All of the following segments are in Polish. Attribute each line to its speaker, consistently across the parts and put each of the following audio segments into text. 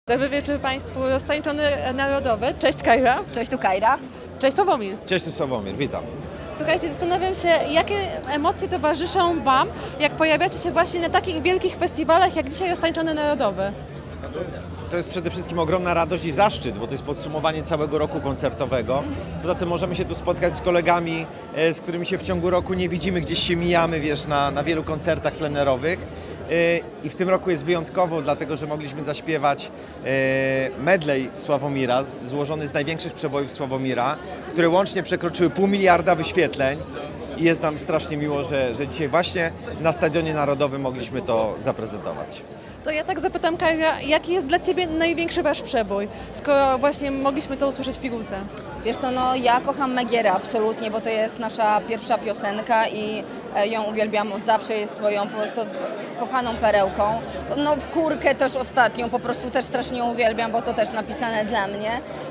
Speaker 1: Dobry wieczór Państwu, roztańczony narodowy. Cześć Kajra.
Speaker 2: Cześć, tu Kajra.
Speaker 1: Cześć Sławomir.
Speaker 3: Cześć, tu Sławomir, witam.
Speaker 1: Słuchajcie, zastanawiam się, jakie emocje towarzyszą Wam, jak pojawiacie się właśnie na takich wielkich festiwalach, jak dzisiaj roztańczony narodowy.
Speaker 3: To jest przede wszystkim ogromna radość i zaszczyt, bo to jest podsumowanie całego roku koncertowego. Poza tym możemy się tu spotkać z kolegami, z którymi się w ciągu roku nie widzimy, gdzieś się mijamy, wiesz, na wielu koncertach plenerowych. I w tym roku jest wyjątkowo, dlatego że mogliśmy zaśpiewać medley Sławomira, złożony z największych przebojów Sławomira, które łącznie przekroczyły 500 000 wyświetleń. I jest nam strasznie miło, że dzisiaj właśnie na Stadionie Narodowym mogliśmy to zaprezentować.
Speaker 1: To ja tak zapytam Kajra, jaki jest dla Ciebie największy Wasz przebój, skoro właśnie mogliśmy to usłyszeć w pigułce?
Speaker 2: Wiesz co, no ja kocham Megierę absolutnie, bo to jest nasza pierwsza piosenka i ją uwielbiam od zawsze, jest swoją po prostu kochaną perełką. No w Kurkę też ostatnią po prostu też strasznie uwielbiam, bo to też napisane dla mnie.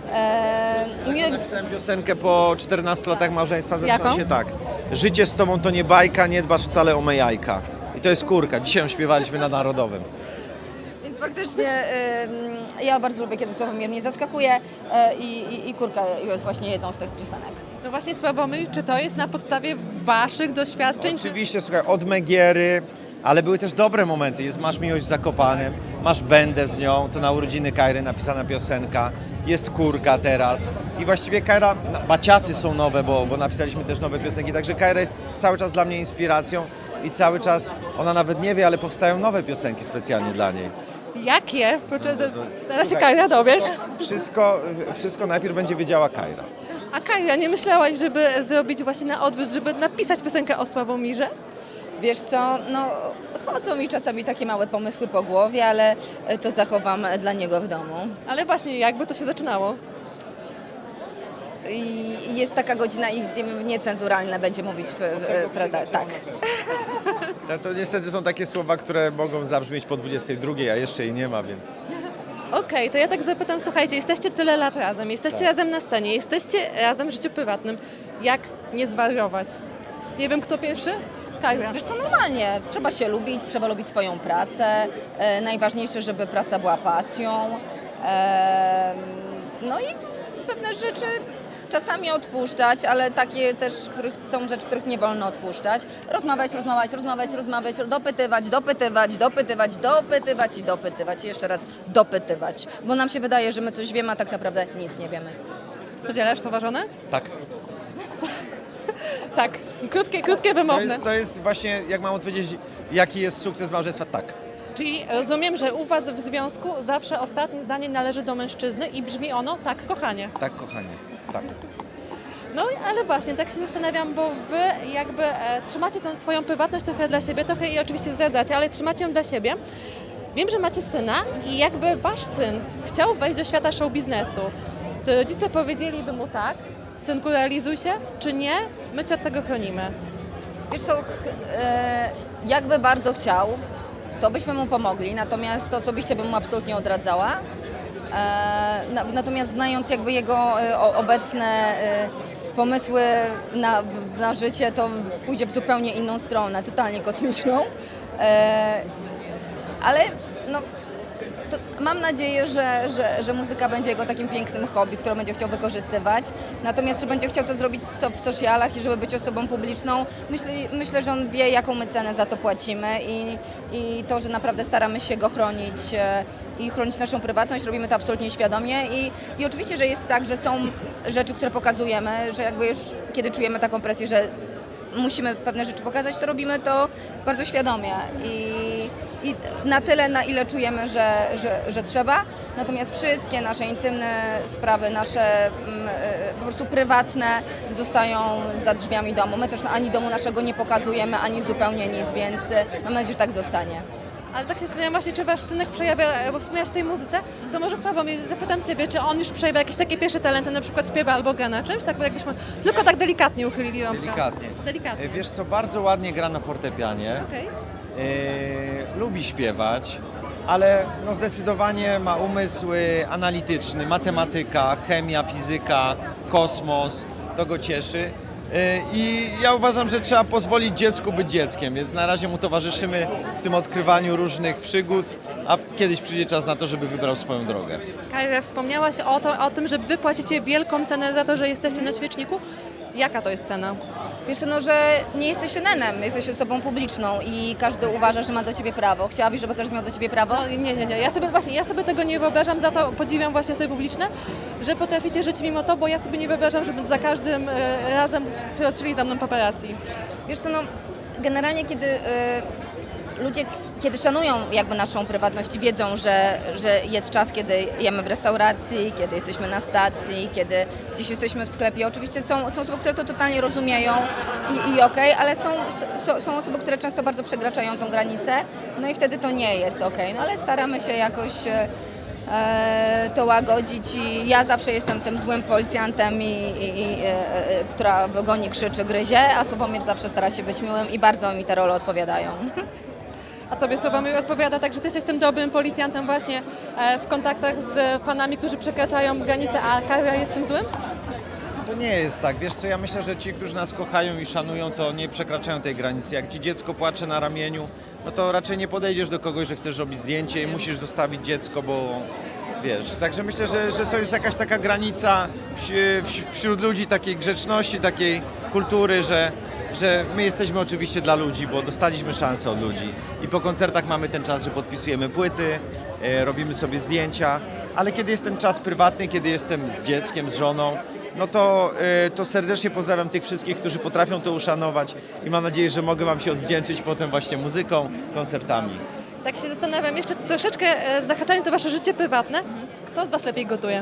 Speaker 3: Napisałem piosenkę po 14 latach małżeństwa.
Speaker 1: Jaką?
Speaker 3: Zaczyna się tak. Życie z tobą to nie bajka, nie dbasz wcale o me jajka. I to jest Kurka. Dzisiaj ją śpiewaliśmy na Narodowym.
Speaker 2: Więc faktycznie ja bardzo lubię, kiedy Sławomir mnie zaskakuje i Kurka jest właśnie jedną z tych piosenek.
Speaker 1: No właśnie Sławomir, czy to jest na podstawie Waszych doświadczeń?
Speaker 3: Oczywiście, słuchaj, od Megiery, ale były też dobre momenty. Jest Masz miłość w Zakopanem, masz Będę z nią, to na urodziny Kajry napisana piosenka, jest Kurka teraz i właściwie Kajra, baciaty są nowe, bo napisaliśmy też nowe piosenki, także Kajra jest cały czas dla mnie inspiracją i cały czas, ona nawet nie wie, ale powstają nowe piosenki specjalnie dla niej.
Speaker 1: Jakie? Zaraz się Kajra dowiesz.
Speaker 3: Wszystko najpierw będzie wiedziała Kajra.
Speaker 1: A Kajra, nie myślałaś, żeby zrobić właśnie na odwrót, żeby napisać piosenkę o Sławomirze?
Speaker 2: Wiesz co, no chodzą mi czasami takie małe pomysły po głowie, ale to zachowam dla niego w domu.
Speaker 1: Ale właśnie, jakby to się zaczynało?
Speaker 2: I jest taka godzina i niecenzuralne będzie mówić, prawda? Tak.
Speaker 3: To niestety są takie słowa, które mogą zabrzmieć po 22, a jeszcze jej nie ma, więc...
Speaker 1: Okej, to ja tak zapytam, słuchajcie, jesteście tyle lat razem, jesteście razem na scenie, jesteście razem w życiu prywatnym. Jak nie zwariować? Nie wiem, kto pierwszy? Kajra.
Speaker 2: Wiesz co, normalnie, trzeba się lubić, trzeba lubić swoją pracę. Najważniejsze, żeby praca była pasją. No i pewne rzeczy czasami odpuszczać, ale takie też, są rzeczy, których nie wolno odpuszczać. Rozmawiać, dopytywać i dopytywać i jeszcze raz dopytywać. Bo nam się wydaje, że my coś wiemy, a tak naprawdę nic nie wiemy.
Speaker 1: Podzielasz słowa żonę?
Speaker 3: Tak.
Speaker 1: Tak. Krótkie, wymowne.
Speaker 3: To jest właśnie, jak mam odpowiedzieć, jaki jest sukces małżeństwa? Tak.
Speaker 1: Czyli rozumiem, że u Was w związku zawsze ostatnie zdanie należy do mężczyzny i brzmi ono tak, kochanie.
Speaker 3: Tak, kochanie. Tak.
Speaker 1: No ale właśnie, tak się zastanawiam, bo Wy jakby trzymacie tą swoją prywatność trochę dla siebie, trochę jej oczywiście zdradzacie, ale trzymacie ją dla siebie. Wiem, że macie syna i jakby Wasz syn chciał wejść do świata show biznesu, to rodzice powiedzieliby mu tak, synku realizuj się, czy nie, my Cię od tego chronimy.
Speaker 2: Wiesz co, jakby bardzo chciał, to byśmy mu pomogli, natomiast osobiście bym mu absolutnie odradzała. Natomiast znając jakby jego obecne pomysły na życie, to pójdzie w zupełnie inną stronę, totalnie kosmiczną. Ale no, mam nadzieję, że muzyka będzie jego takim pięknym hobby, które będzie chciał wykorzystywać. Natomiast, że będzie chciał to zrobić w socialach i żeby być osobą publiczną, myślę, że on wie, jaką my cenę za to płacimy i to, że naprawdę staramy się go chronić i chronić naszą prywatność, robimy to absolutnie świadomie i oczywiście, że jest tak, że są rzeczy, które pokazujemy, że jakby już kiedy czujemy taką presję, że musimy pewne rzeczy pokazać, to robimy to bardzo świadomie i na tyle, na ile czujemy, że trzeba. Natomiast wszystkie nasze intymne sprawy, nasze po prostu prywatne zostają za drzwiami domu. My też ani domu naszego nie pokazujemy, ani zupełnie nic, więc mam nadzieję, że tak zostanie.
Speaker 1: Ale tak się zastanawiam właśnie, czy Wasz synek przejawia, bo wspomniałeś o tej muzyce, to może Sławomir, zapytam Ciebie, czy on już przejawia jakieś takie pierwsze talenty, na przykład śpiewa albo gra na czymś, tak jakbyśmy tylko tak delikatnie uchylili rąbkę. Delikatnie.
Speaker 3: Wiesz co, bardzo ładnie gra na fortepianie,
Speaker 1: Okej.
Speaker 3: lubi śpiewać, ale no zdecydowanie ma umysł analityczny, matematyka, chemia, fizyka, kosmos, to go cieszy. I ja uważam, że trzeba pozwolić dziecku być dzieckiem, więc na razie mu towarzyszymy w tym odkrywaniu różnych przygód a kiedyś przyjdzie czas na to, żeby wybrał swoją drogę.
Speaker 1: Kajra, wspomniałaś o tym, że wy płacicie wielką cenę za to, że jesteście na świeczniku. Jaka to jest cena?
Speaker 2: Wiesz co, no, że nie jesteś synenem, jesteś osobą publiczną i każdy uważa, że ma do ciebie prawo. Chciałabyś, żeby każdy miał do ciebie prawo?
Speaker 1: No, nie. Ja sobie tego nie wyobrażam, za to podziwiam właśnie osoby publiczne, że potraficie żyć mimo to, bo ja sobie nie wyobrażam, żeby za każdym razem przyoczyli za mną paparazzi.
Speaker 2: Wiesz co, no, generalnie ludzie, kiedy szanują jakby naszą prywatność i wiedzą, że jest czas, kiedy jemy w restauracji, kiedy jesteśmy na stacji, kiedy gdzieś jesteśmy w sklepie. Oczywiście są osoby, które to totalnie rozumieją i okej, ale są osoby, które często bardzo przekraczają tą granicę, no i wtedy to nie jest okej. No ale staramy się jakoś to łagodzić i ja zawsze jestem tym złym policjantem, która w ogonie krzyczy, gryzie, a Sławomir zawsze stara się być miłym i bardzo mi te role odpowiadają.
Speaker 1: A tobie Sławomir odpowiada tak, że ty jesteś tym dobrym policjantem właśnie w kontaktach z fanami, którzy przekraczają granice, a Kajra jest tym złym?
Speaker 3: To nie jest tak. Wiesz co, ja myślę, że ci, którzy nas kochają i szanują, to nie przekraczają tej granicy. Jak ci dziecko płacze na ramieniu, no to raczej nie podejdziesz do kogoś, że chcesz robić zdjęcie i musisz zostawić dziecko, bo wiesz. Także myślę, że to jest jakaś taka granica wśród ludzi, takiej grzeczności, takiej kultury, że my jesteśmy oczywiście dla ludzi, bo dostaliśmy szansę od ludzi i po koncertach mamy ten czas, że podpisujemy płyty, robimy sobie zdjęcia, ale kiedy jest ten czas prywatny, kiedy jestem z dzieckiem, z żoną, no to serdecznie pozdrawiam tych wszystkich, którzy potrafią to uszanować i mam nadzieję, że mogę Wam się odwdzięczyć potem właśnie muzyką, koncertami.
Speaker 1: Tak się zastanawiam jeszcze troszeczkę, zahaczając o wasze życie prywatne, kto z was lepiej gotuje?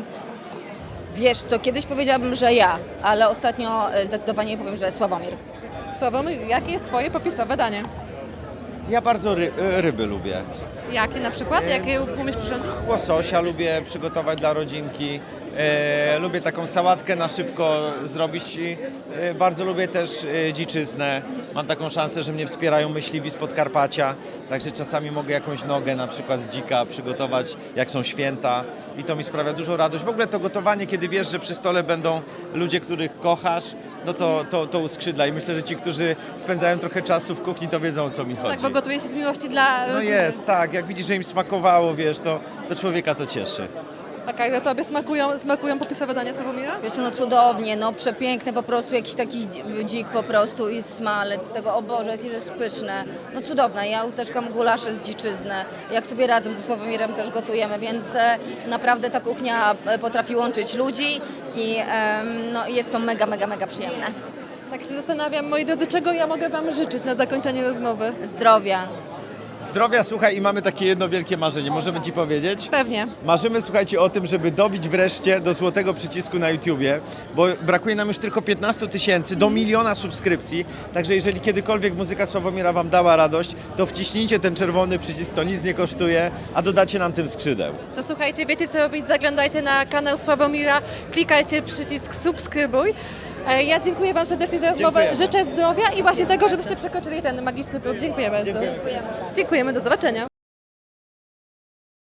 Speaker 2: Wiesz co, kiedyś powiedziałabym, że ja, ale ostatnio zdecydowanie powiem, że Sławomir.
Speaker 1: Sławomir, jakie jest twoje popisowe danie?
Speaker 3: Ja bardzo ryby lubię.
Speaker 1: Jakie na przykład? Jakie umiesz przyrządzić?
Speaker 3: Łososia lubię przygotować dla rodzinki. Lubię taką sałatkę na szybko zrobić i bardzo lubię też dziczyznę. Mam taką szansę, że mnie wspierają myśliwi z Podkarpacia, także czasami mogę jakąś nogę na przykład z dzika przygotować, jak są święta i to mi sprawia dużą radość. W ogóle to gotowanie, kiedy wiesz, że przy stole będą ludzie, których kochasz, no to uskrzydla i myślę, że ci, którzy spędzają trochę czasu w kuchni, to wiedzą, o co mi chodzi.
Speaker 1: Tak, bo gotuje się z miłości dla
Speaker 3: No
Speaker 1: rodziny.
Speaker 3: jest, tak, jak widzisz, że im smakowało, wiesz, to człowieka to cieszy.
Speaker 1: A Kajra, tobie smakują popisowe dania Sławomira?
Speaker 2: Wiesz co, no cudownie, no przepiękne po prostu, jakiś taki dzik po prostu i smalec z tego, o Boże, jakie to jest pyszne. No cudowne, ja uteżkam gulasze z dziczyzny, jak sobie razem ze Sławomirem też gotujemy, więc naprawdę ta kuchnia potrafi łączyć ludzi i no, jest to mega, mega, mega przyjemne.
Speaker 1: Tak się zastanawiam, moi drodzy, czego ja mogę wam życzyć na zakończenie rozmowy?
Speaker 2: Zdrowia.
Speaker 3: Zdrowia, słuchaj, i mamy takie jedno wielkie marzenie, możemy Ci powiedzieć?
Speaker 1: Pewnie.
Speaker 3: Marzymy, słuchajcie, o tym, żeby dobić wreszcie do złotego przycisku na YouTubie, bo brakuje nam już tylko 15 000 do 1 000 000 subskrypcji, także jeżeli kiedykolwiek muzyka Sławomira Wam dała radość, to wciśnijcie ten czerwony przycisk, to nic nie kosztuje, a dodacie nam tym skrzydeł.
Speaker 1: To słuchajcie, wiecie co robić, zaglądajcie na kanał Sławomira, klikajcie przycisk subskrybuj. Ja dziękuję wam serdecznie za rozmowę,
Speaker 3: Dziękujemy.
Speaker 1: życzę zdrowia i właśnie tego, żebyście przekroczyli ten magiczny próg. Dziękuję bardzo.
Speaker 3: Dziękujemy.
Speaker 1: Dziękujemy, do zobaczenia.